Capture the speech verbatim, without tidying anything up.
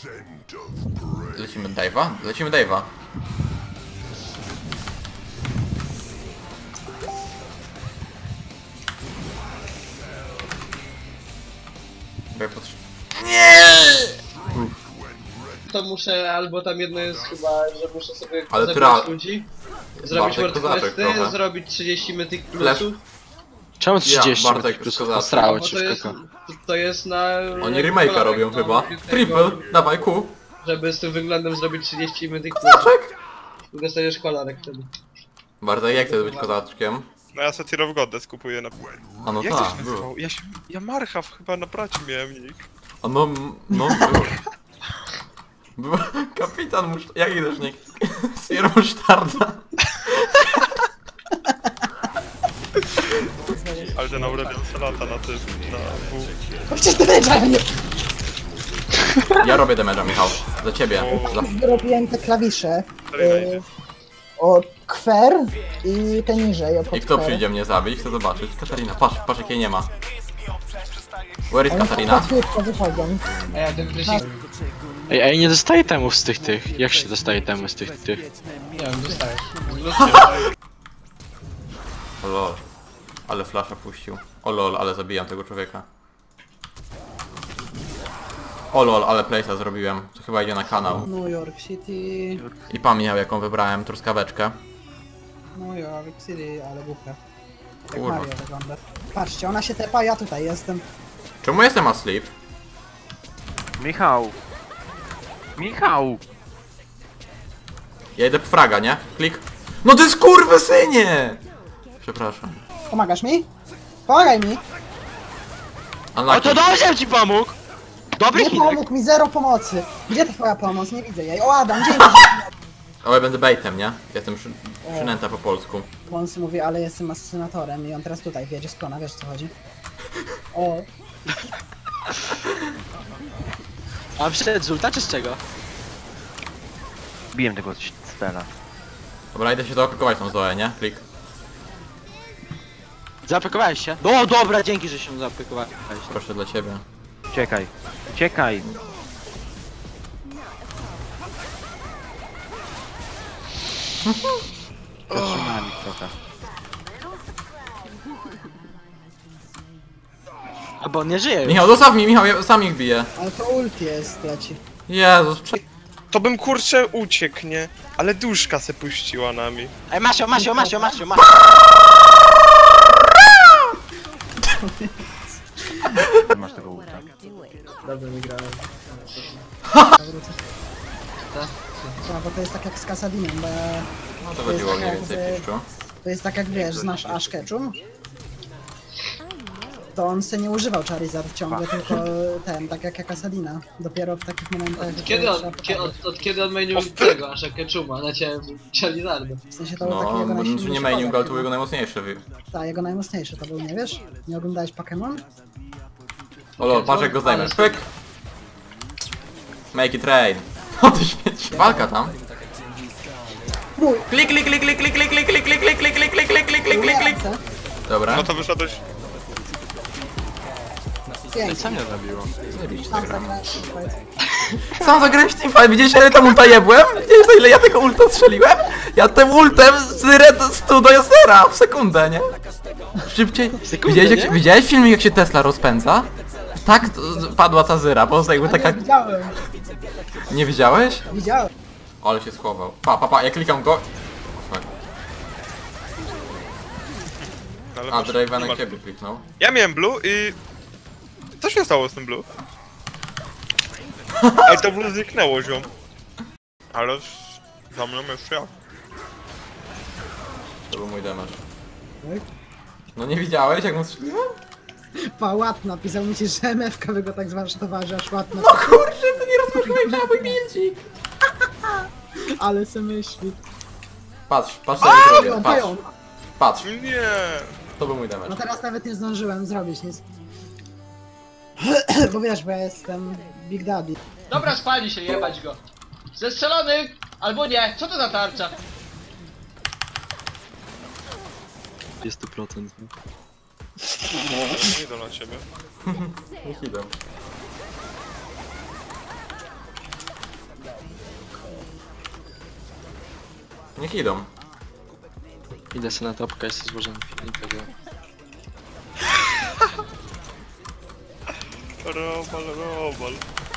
Lecimy Dave'a? Lecimy Dave'a. Nie! To muszę, albo tam jedno jest chyba, że muszę sobie Ale zabrać tra- ludzi, zrobić Bartek kozaczek wordquesty, trochę. zrobić trzydzieści mythic Flash. plusów. Czemu trzydzieści Ja, Bartek plus kozaczek. postrało Bo ci to w jest, koko? to, to jest na... Oni remake'a robią no, chyba. tego, Triple, dawaj Q. Żeby z tym wyglądem zrobić trzydzieści mythic plusów. Kozaczek! Dostajesz kolarek wtedy. Bartek, jak chcesz być kozaczkiem? No ja sobie Tear of Goddess kupuję na... A no Jak to tak, się było. nazywał? Ja się... Ja Marchaw chyba na braci miałem nick. A no, no było. Był kapitan musz... Jaki też nie? Sir Musztarda. Ale ten Aurelion se lata na tym, na W. Przecież to wiedziałem, Ja robię damage'a, Michał. Za ciebie. Za... robiłem te klawisze Dalej y, najdzie. od kwer i te niżej od I kto kwer. przyjdzie mnie zabić? Chcę zobaczyć. Katarina, patrz, patrz jakiej nie ma. Where is One Katarina? tak łatwiej wychodzą. A ja ten wrześnik... Ej, ej, nie dostaję temów z tych tych. Jak się dostaje temu z tych tych? Nie wiem, dostajesz. O lol. Ale flasha puścił. O lol, ale zabijam tego człowieka. O lol, ale place'a zrobiłem. To chyba idzie na kanał. New York City, I pan Michał, jaką wybrałem, truskaweczkę. New York City, ale głupia. Jak Kurwa. Mario wygląda. Patrzcie, ona się tepa, ja tutaj jestem. Czemu jestem asleep? Michał! Michał! Ja idę po fraga, nie? Klik. No ty skurwysynie! Przepraszam. Pomagasz mi? Pomagaj mi! O Unlucky. to dobrze ci pomógł! Dobry Nie Chinek! pomógł mi, zero pomocy. Gdzie ta twoja pomoc? Nie widzę jej. O Adam, dzięki. O, ja będę baitem, nie? Jestem przy... przynęta po polsku. Łący mówi, ale jestem asesynatorem i on teraz tutaj wiedzie z klona, wiesz o co chodzi? O, A przed z ulta czy z czego? Biłem tego stela. Dobra, idę się zaopiekować tą Zoę, nie? Klik. Zaaplikowałeś się? No dobra, dzięki, że się zaaplikowałeś. Proszę dla ciebie. Uciekaj. Uciekaj. Zatrzymałem ich trochę. A bo on nie żyje już. Michał, zostaw mi, Michał, ja sam ich biję. ale to ult jest, leci. Jezus, prze... To bym kurczę uciekł, nie? Ale duszka se puściła nami. Ej, Masio, Masio, Masio, Masio, Masio. Masz tego ulta. Dobrze mi grałem. No, bo to jest tak jak z Kasadinem, bo No to chodziło mniej więcej piszczu. to jest tak jak wiesz, znasz Ash Ketchum? To on se nie używał Charizard ciągle, tylko ten, tak jak Kasadina. Dopiero w takich momentach... Od kiedy trzeba on, kie, pokazać. od, od kiedy on mainił tego, aż jak Ketchuma, na ciebie Charizarda. W sensie to był taki No, jego on najsilniejszy nie mainił, kozak, ale to był jego najmocniejszy. wy- Tak, jego najmocniejszy to był, nie wiesz? Nie oglądałeś Pokémon? O lol, patrz jak go zdejmiesz. Pyk! Make it rain. O ty śmieci. Walka tam. Klik, klik, klik, klik, klik, klik, klik, klik, klik, klik, klik, klik, klik, klik, klik, klik, klik, klik. Dobra. No to wyszedłeś... Pięknie. Co mnie zabiło? Zajebiście Tam zagramy. zagrałeś teamfight. Sam zagrałeś teamfight, widzieliście ile tam ulta jebłem? Widzieliście za ile ja tego ulta strzeliłem? Ja tym ultem z red stu do zera w sekundę, nie? Szybciej. sekundę, Widziałeś, jak, nie? widziałeś filmik jak się Tesla rozpędza? Tak to padła ta zyra, po prostu jakby Nie taka... widziałem, Nie widziałeś? widziałem. Ale się schował. Pa, pa, pa, ja klikam go. Fuck. Ale A, masz- Draven nie na masz- ciebie kliknął. Ja miałem blue i... Co się stało z tym blue? Ej, to blue zniknęło, ziom. Ale... z- Za mną jeszcze jak? To był mój damage. Oj. No nie widziałeś jak mu strzeliłem? Pa, łat napisał mi się, że M F K by go tak zwarsztowała, że aż łat No napisał. kurczę, to nie rozmawiałeś na mój bildzik. Ale se myśli. Patrz, patrz co ja zrobię, Pają, patrz. pają. Patrz, Nie. to był mój No damage. teraz nawet nie zdążyłem zrobić nic. Bo wiesz, bo ja jestem Big Daddy. Dobra, spali się, jebać go. Zestrzelony! Albo nie, co to za tarcza? sto procent. Nie idę na ciebie. Niech idą. Niech idą. Idę sobie na topkę, jestem złożony. I tego. Robal, robal.